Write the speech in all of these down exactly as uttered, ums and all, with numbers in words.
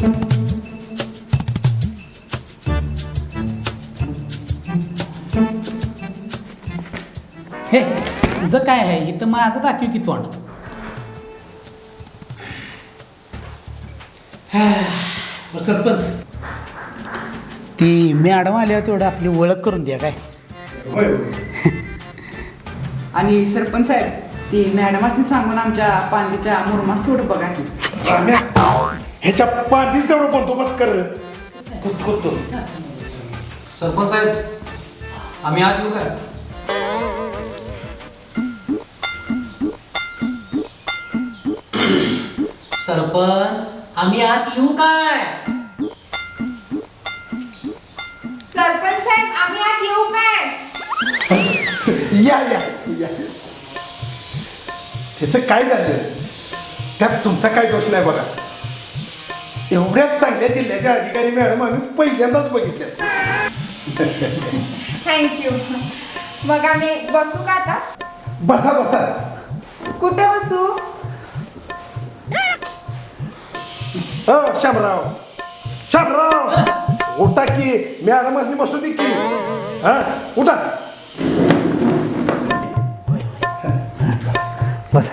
हे तुझं काय आहे इथं माझं दाखव की तोंड. सरपंच ती मॅडम आल्यावर तेवढं आपली ओळख करून द्या काय. आणि सरपंच साहेब ती मॅडमासनी सांगून आमच्या पांदीच्या मुरमास थोडं बघा की. ह्याच्या पांदीच तेवढं बंदोबस्त कर. सरपंच साहेब आम्ही आत येऊ काय. सरपंच आम्ही आत येऊ काय. सरपंच साहेब आम्ही आत येऊ काय. या या या. त्याचं काय झालं त्यात तुमचा काय दोष नाही बघा. एवढ्याच चांगल्या जिल्ह्याच्या अधिकारी मॅडम आम्ही पहिल्यांदाच बघितल्या. थँक्यू. मग आम्ही बसू का आता. बसा बसा. कुठे बसू. अ शामराव शामराव उठा की मॅडमासनी बसू दे की. हा उठा बस.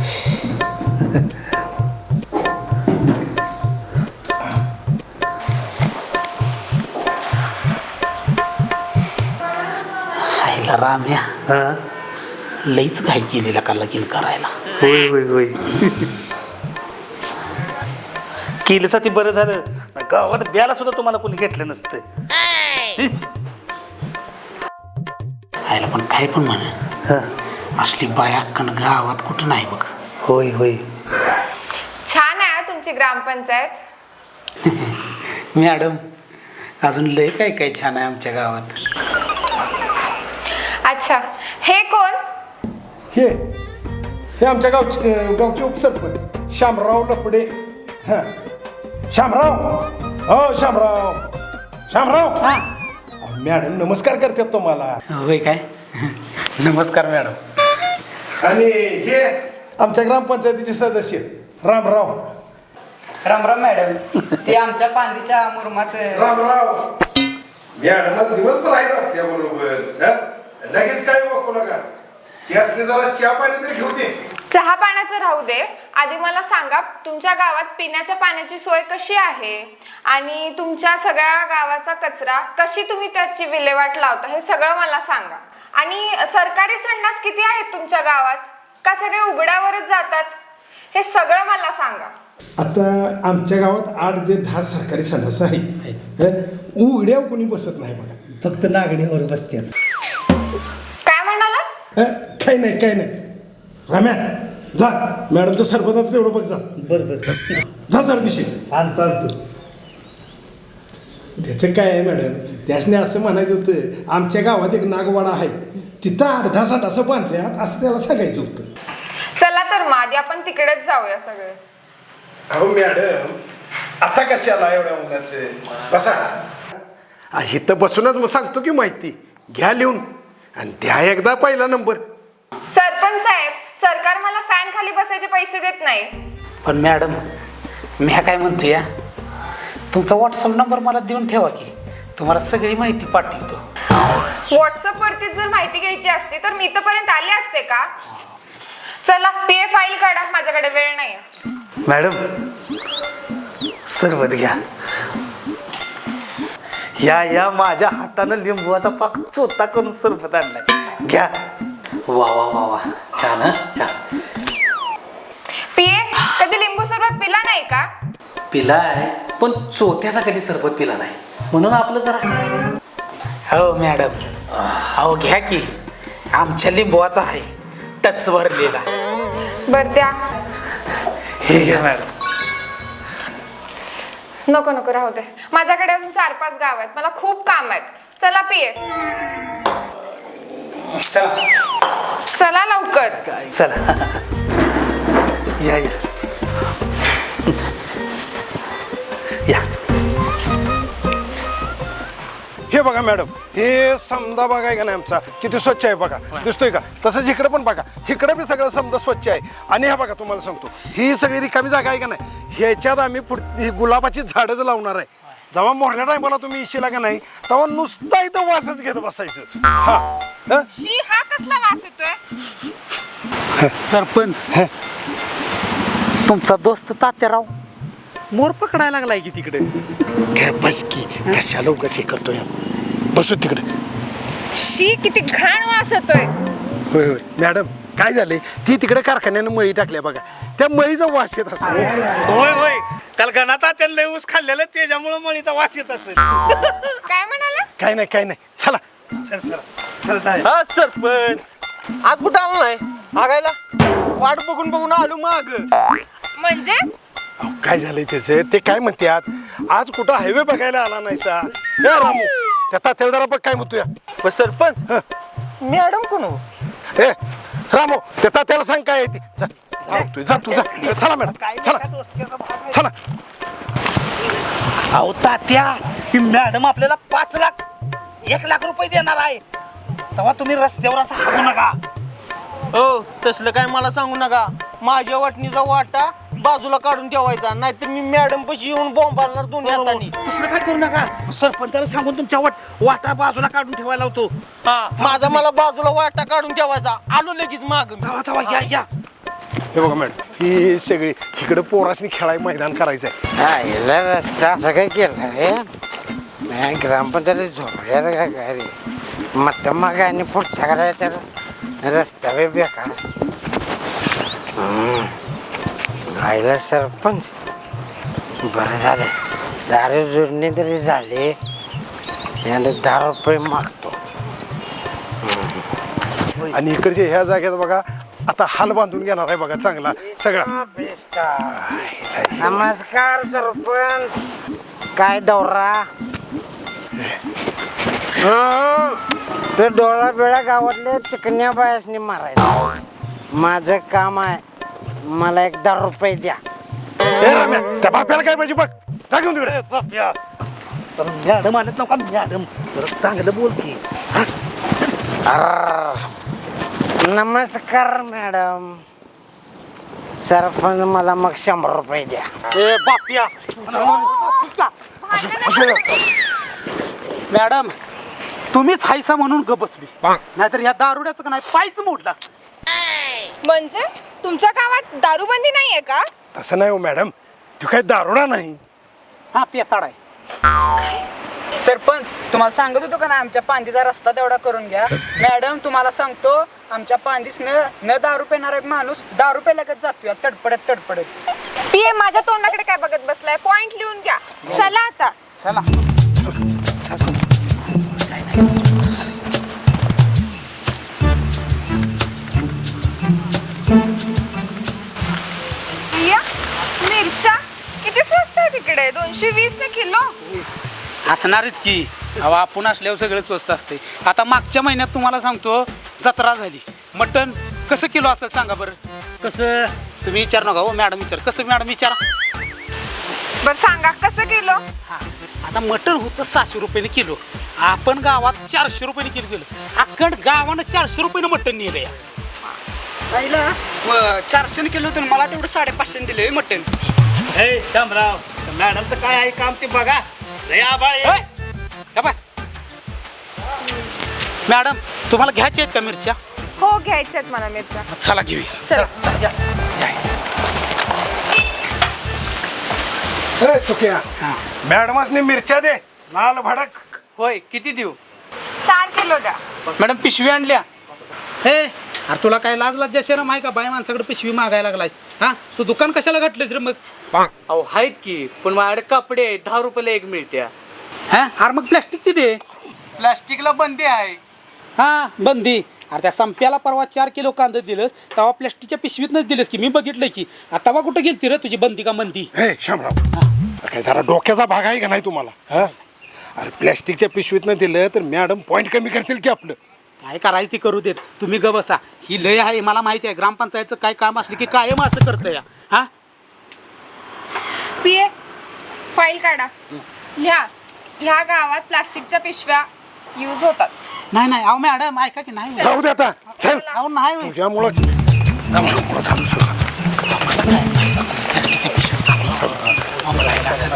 आईला राम्या हा लईच घाई केलेला का लगीन करायला. होय होय होय केलं ती बरं झालं. गावात ब्याला सुद्धा तुम्हाला कोणी घेतलं नसतं. आईला पण काय पण म्हण हा असली बायाकण गावात कुठं नाही बघ. होय होय छान आहे तुमची ग्रामपंचायत. मॅडम अजून लय काय काय छान आहे आमच्या गावात. अच्छा हे कोण. हे हे आमच्या गावचे गावचे उपसरपंच शामराव लपडे. हा शामराव हो शामराव शामराव. हा मॅडम नमस्कार करतात तुम्हाला. होय काय. नमस्कार मॅडम. आणि हे आमच्या ग्रामपंचायतीचे सदस्य रामराव. रामराम मॅडम ते आमच्या पांदीच्या मुरमाचं. रामराव मॅडमच दिवसभर आहेत आपल्या बरोबर. लगेच काय वाकू नका. त्यासने जरा चहा पाणी तरी घेऊ दे. चहा पाण्याचं राहू दे. आधी मला सांगा तुमच्या गावात पिण्याच्या पाण्याची सोय कशी आहे आणि तुमच्या सगळ्या गावाचा कचरा कशी तुम्ही त्याची विल्हेवाट लावता हे सगळं मला सांगा. आणि सरकारी संडास किती आहेत तुमच्या गावात का सगळे उघड्यावरच जातात हे सगळं मला सांगा. आता आमच्या गावात आठ ते दहा सरकारी संडास आहेत. उघड्यावर कोणी बसत नाही बघा. फक्त नागडीवर बसतात. काय म्हणाला. काही नाही काही नाही. राम्या जा मॅडमचं सरपंचाचं तेवढं बघ जा. बरं बरं जा जरा दिशी. आणतो आणतो. त्याचं काय आहे मॅडम त्यासने असं म्हणायचं होतं आमच्या गावात एक नागवाडा आहे तिथं आठ दहा संडास बांधल्यात असं त्याला सांगायचं होतं. चला तर मग आधी आपण तिकडेच जाऊया सगळे. अहो मॅडम आता कशाला एवढ्या उन्हाचं बसा. इथं बसूनच मग सांगतो की माहिती घ्या लिहून आणि द्या एकदा पहिला नंबर. सरपंच साहेब सरकार मला फॅन खाली बसायचे पैसे देत नाही. पण मॅडम मी काय म्हणतो या तुमचा व्हॉट्सअप नंबर मला देऊन ठेवा की तुम्हाला सगळी माहिती पाठवतो. व्हॉट्सअप वरती जर माहिती घ्यायची असती तर मी इथपर्यंत आले असते का. चला पी ए फाईल काढा माझ्याकडे वेळ नाही. मॅडम सरबत घ्या. या या माझ्या हातानं लिंबूचा पाक चोथा करून सरबत आणलाय घ्या. वा वा वा वा छान हा छान. पी ए कधी लिंबू सरबत पिला नाही का. पिलाय पण चोथ्याचा कधी सरबत पिला नाही म्हणून आपलं जरा. हो मॅडम अहो घ्या की आमच्या लिंबवाचा आहे टच भरलेला. बर द्या. हे घ्या मॅडम. नको नको राहू दे माझ्याकडे अजून चार पाच गाव आहेत मला खूप काम आहेत. चला पी ए चला लवकर. चला या या या. हे बघा मॅडम हे समजा बघाय का नाही आमचा किती स्वच्छ आहे बघा. दिसतोय का तसंच इकडे पण बघा. इकडे बी सगळं समजा स्वच्छ आहे. आणि हे बघा तुम्हाला सांगतो ही सगळी रिकामी जागा आहे का नाही ह्याच्यात आम्ही पुढ- गुलाबाची झाडच लावणार आहे. जेव्हा मोरल्या टायमाला तुम्ही इशिला का नाही तेव्हा नुसता इथं वासच घेत बसायचं. हा हं? शी, हा कसला वास येतोय? सरपंच तुमचा दोस्त तात्याराव मोर पकडायला लागलाय की तिकडे. काय बस की कशाला उगाच हे करतोय. बसू तिकडे. शी, किती घाण वास येतोय. होय होय मॅडम काय झाले ती तिकडे कारखान्यानं मळी टाकल्या बघा त्या मळीचा वास येत असेल. होय होय काल गणात त्यांना लय ऊस खाल्लेलं त्याच्यामुळे मळीचा वास येत असेल. काय म्हणाला? काय नाही काय नाही चला. चल चला चल जाय. हा सरपंच आज कुठं आला नाही आगायला वाट बघून बघून आलो माग. म्हणजे अहो, काय झालंय त्याचे ते काय म्हणतात आज कुठं हायवे बघायला आला नाही सा. ए रामू त्या तात्याला जरा बघ काय म्हणतोय. पण सरपंच मॅडम कोण हो? ए रामू त्या तात्याला सांग काय आहे ती. जा जा तू जा तू जा चला मॅडम चला चला. अहो तात्या ती मॅडम आपल्याला पाच लाख एक लाख रुपये देणार आहे तेव्हा तुम्ही रस्त्यावर असं हागू नका. हो तसलं काय मला सांगू नका. माझ्या वाटणीचा वाटा बाजूला काढून ठेवायचा नाहीतर मी मॅडम पशी येऊन बॉम्ब घालणार दोन्ही हातांनी. तसलं काय करू नका. सरपंचाला सांगून तुमच्या वाट वाटा बाजूला काढून ठेवायला होतो. हा माझा मला बाजूला वाटा काढून ठेवायचा. आलो लगेच माग. जावा जावा या या. हे बघा मॅडम ही सगळी इकडे पोरासनी खेळाय मैदान करायचंय. याला रस्ता असं काय केलं रे नाही ग्रामपंचायत झोपल्या का काय रे मत मग आणि पुढच्या करायला तर रस्ता बी बेकार. राहिला सरपंच बरं झालं दारू जुडणी तरी झाली याला दहा रुपये मागतो. आणि इकडच्या ह्या जागेत बघा आता हाल बांधून घेणार आहे बघा चांगला सगळा. नमस्कार सरपंच काय दौरा तो डोळा बिळा गावातल्या चिकन्या बायासनी मारायचा. माझं काम आहे मला एक दहा रुपये द्या. ए रम्या त्या बाप्याला काय पाहिजे बघ टाकून तिकडे. बाप्या तर मॅडम आणत नका मॅडम जरा चांगलं बोल की. अर्र. नमस्कार मॅडम सरपंच मला मग शंभर रुपये द्या. ए बाप्या मॅडम तुम्हीच हायसा म्हणून ग बसली नाहीतर ह्या दारुड्याचं का नाही पायच मोडलं असतं. म्हणजे तुमच्या गावात दारूबंदी नाहीये का? तसं नाही हो मॅडम तू काय दारुडा नाही. हा पेताड आहे. सरपंच तुम्हाला सांगत होतो का ना आमच्या पांदीचा रस्ता तेवढा करून घ्या. मॅडम तुम्हाला सांगतो आमच्या पांदीस न न दारू पेणार एक माणूस दारू पे लगत जातोय तडपडत तडपडत. पीए माझ्या तोंडाकडे काय बघत बसलाय? पॉइंट लिहून घ्या. चला आता. चला पिया, मिरच्या किती स्वस्त आहे तिकडे? दोनशे वीस ने किलो. असणारच की अहो आपण असल्यावर सगळं स्वस्त असते. आता मागच्या महिन्यात तुम्हाला सांगतो जत्रा झाली मटण कसं किलो असतं सांगा बरं. कसं तुम्ही विचार नका हो मॅडम विचार कसं मॅडम विचारा. बर सांगा कसं किलो? हा आता मटण होतं सहाशे रुपयाने किलो आपण गावात चारशे रुपयाने किलो केलं. अखंड गावानं चारशे रुपयानं मटण नेलं या. पहिला चारशे किलो होतं मला तेवढं साडेपाचशे दिले मटण. हे शामराव मॅडमचं काय आहे काम ते बघा. लय आबाळ आहे. होय? का बस मॅडम तुम्हाला घ्यायच्या आहेत का मिरच्या? हो घ्यायच्यात मला मिरच्या. चला घेऊया. चला. ए तुक्या मॅडमासनी मिरच्या दे लाल भडक. होय किती देऊ? चार किलो द्या. मॅडम पिशवी आणल्या. हे अरे तुला काय लाज लाज शरम आहे का बाय माणसाकडे पिशवी मागायला लागलायस. हा तू दुकान कशाला घातलंस रे मग? अहो आहेत की पण माझ्याकडे कपडे आहेत दहा रुपयाला एक मिळत्या. हा अरे मग प्लॅस्टिकची दे. प्लास्टिकला बंदी आहे. हा बंदी. अरे त्या संप्याला परवा चार किलो कांदा दिलंस तेव्हा प्लॅस्टिकच्या पिशवीतनंच दिलंस की मी बघितलंय की. आता बा कुठं गेलती रे तुझी बंदी का मंदी? हे शामराव काय जरा डोक्याचा भाग आहे का नाही तुम्हाला. हा अरे प्लॅस्टिकच्या पिशवीतनं दिलं तर मॅडम पॉईंट कमी करतील की आपलं. काय करायचं ती करू देत तुम्ही ग बसा. ही लय आहे मला माहिती आहे ग्रामपंचायतचं काय काम असलं की कायम असं करतं या. हा पीए फाईल काढा. लिहा ह्या गावात प्लास्टिकच्या पिशव्या यूज होतात. नाही नाही अहो मॅडम ऐका की नाही जाऊ दे आता चल अहो नाही होय. तुझ्यामुळं प्लॅस्टिकच्या पिशव्या चालू.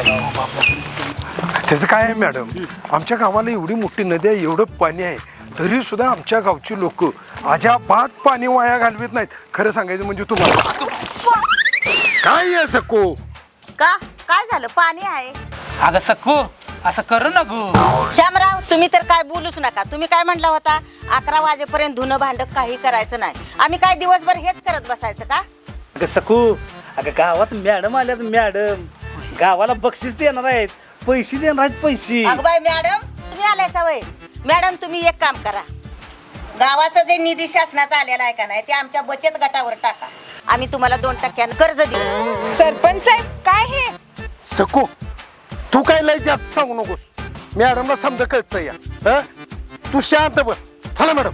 त्याचं काय आहे मॅडम, आमच्या गावाला एवढी मोठी नदी आहे, एवढं पाणी आहे, तरी सुद्धा आमच्या गावची लोक अजाबात पाणी वाया घालवित नाहीत. खरं सांगायचं म्हणजे तुम्हाला काय आहे सको? का काय झालं? पाणी आहे. अगं सक्कू असं करू नको. श्यामराव, तुम्ही तर काय बोलूच नका. तुम्ही काय म्हणला होता? अकरा वाजेपर्यंत धुणं भांड काही करायचं नाही. आम्ही काय दिवसभर हेच करत बसायचं का? अगं सकू, अगं गावात मॅडम आल्यात. मॅडम गावाला बक्षीस देणार आहेत, पैसे देणार आहेत, पैसे. अगं बाई मॅडम, तुम्ही आलाय सवय. मॅडम, तुम्ही एक काम करा. गावाचं जे निधी शासनाचा आलेला आहे का नाही, ते आमच्या बचत गटावर टाका. आम्ही तुम्हाला दोन टक्क्यानं कर्ज देऊ. सरपंच साहेब, काय हे? सको, तू काय लय जास्त सांगू नकोस. मॅडमला समजा कळतं या. हं? तू शांत बस. चला मॅडम.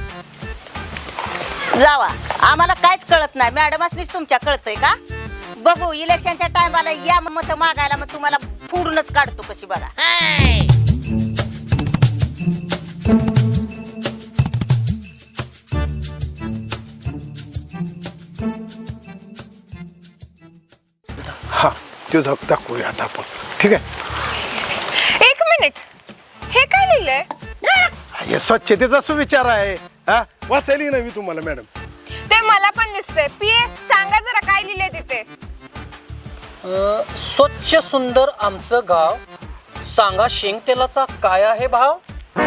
जावा, आम्हाला काहीच कळत नाही. मॅडमच तुमच्या कळतंय का? बघू इलेक्शनच्या टायमाला या मत मागायला, मग तुम्हाला फोडूनच काढतो कशी बघा. हा, तो झक दाखवूया आता आपण. ठीक आहे. एक मिनिट, हे काय लिहिलंय? हे स्वच्छतेचा सुविचार आहे. हा, वाचायली ना मी तुम्हाला मॅडम. ते मला पण दिसतंय. पिये, सांगा जरा काय लिहिलंय तिथे. अं, स्वच्छ सुंदर आमचं गाव, सांगा शेंगतेलाचा काय आहे भाव?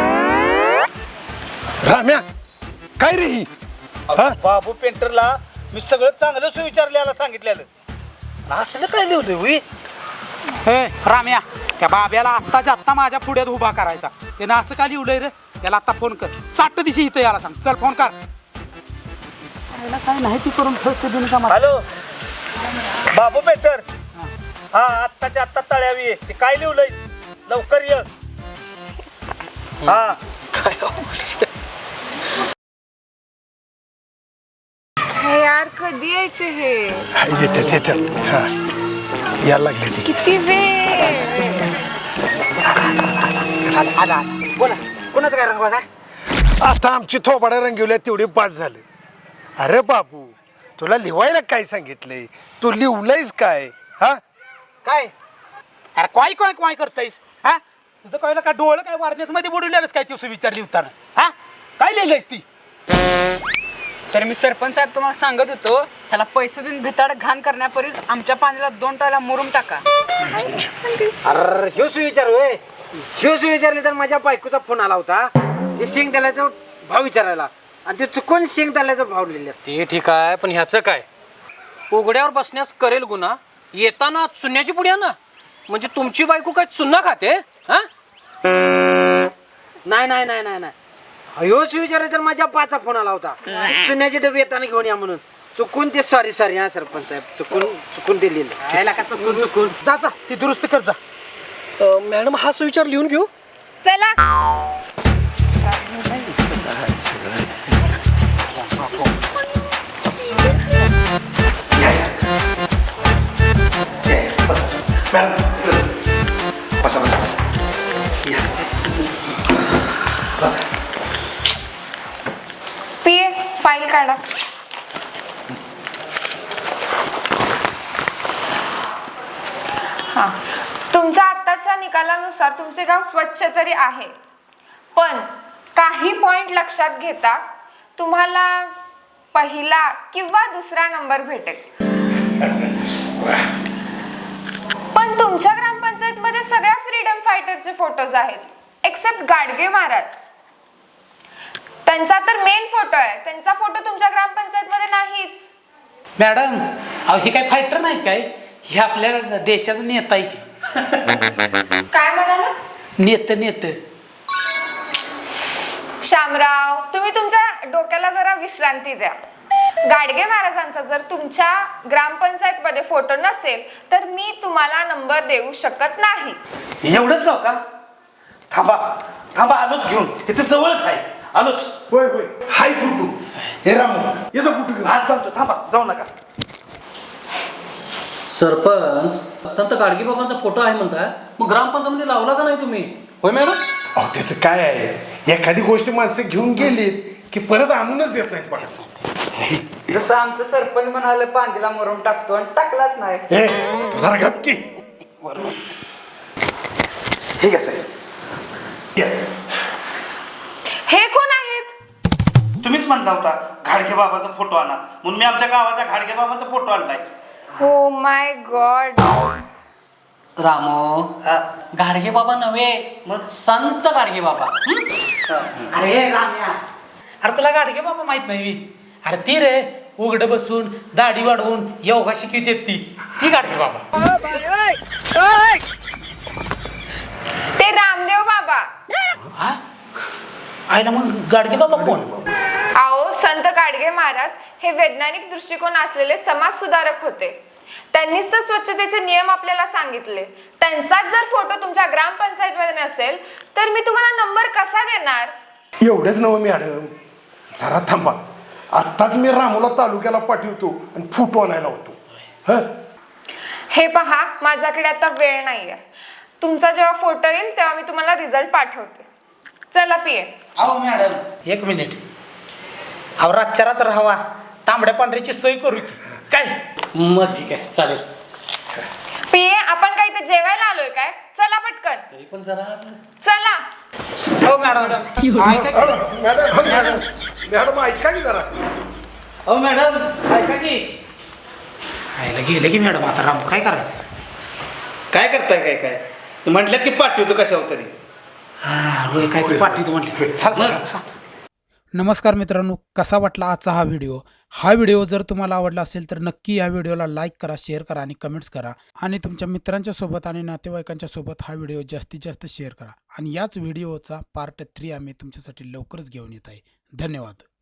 राम्या, काय रे ही? हा? बाबू पेंटरला मी सगळं चांगलं सुविचारल्याला सांगितलेलं. असलं काय लिहिलंय होई? हे राम्या, त्या बाब्याला आत्ताच्या आत्ता माझ्या पुढ्यात उभा करायचा. त्यानं असं का लिहिलंय रे? त्याला आता फोन कर. चाट दिशी इथं याला सांग. चल फोन कर. काय नाही ती करून ठेवते बिनका. हॅलो बाबू पेंटर, हा आत्ताच्या आत्ता तळ्यावी ये. ते काय लिहिलंय? लवकर ये. हा हे यार, कधी यायचे हे? येतात येतात. हा, यायला लागले ती. किती वेळ? आला. बोला, कोणाचं काय रंगवाज आहे? आता आमची थोबाड्या रंगवल्या तेवढे पास झाले. अरे बाबू, तुला लिहायला काय सांगितलंय? तू लिहलंयस काय? हा, काय अरे काय काय काय करतायस? हा, तुझं कळलं का? डोळं काय वारनेस मध्ये बुडवलेलंस काय? ती विचारली होताना. हा, काय लिहिलंयस ती? तर मी सरपंच साहेब तुम्हाला सांगत होतो, ह्याला पैसे देऊन भिताड घाण करण्यापरीस आमच्या पाण्याला दोन टायला मुरुम टाका. अरे ह्यो सुविचार होय. ह्यो सुविचारले तर माझ्या बायकोचा फोन आला होता. ते शेंग त्याला भाव विचारायला, आणि ते चुकून शेंग त्याला भाव लिहिले. ते ठीक आहे, पण ह्याचं काय? उघड्यावर बसण्यास करेल गुन्हा, येताना चुन्याची पुड्या ना. म्हणजे तुमची बायको काय चुन्ना खाते? हा, नाही नाही नाही नाही नाही ह्यो सुविचार तर माझ्या पाचा फोन आला होता. चुन्याचे डबे येताना घेऊन या म्हणून. चुकून ते सॉरी सॉरी हा सरपंच साहेब, चुकून चुकून ते लिहिलं. यायला का चुकून चुकून जा जा ती दुरुस्त कर जा. अं, मॅडम हा सुविचार लिहून घेऊ. चला. बसा बसा बसा. पिये, फाईल काढा. हा, तुमच्या आत्ताच्या निकालानुसार तुमचे गाव स्वच्छ तरी आहे, पण काही पॉइंट लक्षात घेता तुम्हाला पहिला किंवा दुसरा नंबर भेटेल. पण तुमच्या ग्रामपंचायत मध्ये सगळ्या फ्रीडम फायटरचे फोटोज आहेत एक्सेप्ट गाडगे महाराज. त्यांचा तर मेन फोटो आहे, त्यांचा फोटो तुमच्या ग्रामपंचायत मध्ये नाहीच. मॅडम, अहो ही काय फायटर नाहीत काय? हे आपल्या देशाचं नेता आहे की. काय म्हणाला? नेत नेत शामराव, तुम्ही तुमच्या डोक्याला जरा विश्रांती द्या. गाडगे महाराजांचा जर तुमच्या ग्रामपंचायत मध्ये फोटो नसेल तर मी तुम्हाला नंबर देऊ शकत नाही. एवढंच नाव का? थांबा थांबा, आलोच घेऊन. तिथे जवळच आहे, आलोच. होय होय, हाय फुटू. हे रामू, याचा फुटू घेऊ. आज जातो, थांबा, जाऊ नका. सरपंच, संत गाडगेबाबांचा फोटो आहे म्हणताय, मग ग्रामपंचायत मध्ये लावला का नाही तुम्ही? होय मॅडम. अहो त्याचं काय आहे, एखादी गोष्ट माणसं घेऊन गेलीत की परत आणूनच देत नाहीत बघा. जसं आमचं सरपंच म्हणाले पांदीला मुरुम टाकतो आणि टाकलाच नाही. हे तू जरा गप की. बरोबर. हे कसं आहे या. हे कोण आहेत? तुम्हीच म्हणला होता घाडगे बाबाचा फोटो आणा म्हणून मी आमच्या गावाच्या घाडगे बाबाचा फोटो आणलाय. हो माय गॉड. रामो हा. गाडगे बाबा नव्हे मग संत गाडगे बाबा हं? अरे राम्या, अरे तुला गाडगे बाबा माहित नाही बी? अरे ती रे उघड बसून दाढी वाढवून योगा शिकवित ती ती गाडगे बाबा. ते रामदेव बाबा. हा? आईला मग गाडगे बाबा कोण? आओ संत गाडगे महाराज हे वैज्ञानिक दृष्टिकोन असलेले समाज सुधारक होते. त्यांनीच तर स्वच्छतेचे नियम आपल्याला सांगितले. त्यांचाच जर फोटो तुमच्या ग्रामपंचायत मध्ये नसेल तर मी तुम्हाला नंबर कसा देणार? एवढंच नवं मॅडम, जरा थांबा. आत्ताच मी रामूला तालुक्याला पाठवतो आणि फोटो आणायला होतो. हं हे पहा, माझ्याकडे आता वेळ नाहीये. तुमचा जेव्हा फोटो येईल तेव्हा मी तुम्हाला रिझल्ट पाठवते. चला पिये. अहो मॅडम एक मिनिट. अहो रातच्या रात्र हवा तांबड्या पांढऱ्याची सोय करू की काय? मग ठीक आहे चालेल. पिये, आपण काय इथे जेवायला आलोय काय? चला पटकन. तरी पण जरा चला. हो मॅडम ऐका की. मॅडम मॅडम मॅडम ऐका की जरा. अहो मॅडम ऐका की. आईला गेले की मॅडम, आता राम काय करायचं? काय करताय काय काय म्हटल्यात की पाठवतो कशावर तरी. हा होय, काय ते पाठवतो म्हटले. चल चल. नमस्कार मित्रांनो, कसा वाटला आजचा हा व्हिडिओ? हा व्हिडिओ जर तुम्हाला आवडला असेल तर नक्की या व्हिडिओला लाईक करा, शेअर करा आणि कमेंट्स करा. आणि तुमच्या मित्रांच्या सोबत आणि नातेवाईकांच्या सोबत हा व्हिडिओ जास्तीत जास्त शेअर करा. आणि याच व्हिडिओचा पार्ट थ्री आम्ही तुमच्यासाठी लवकरच घेऊन येत आहे. धन्यवाद.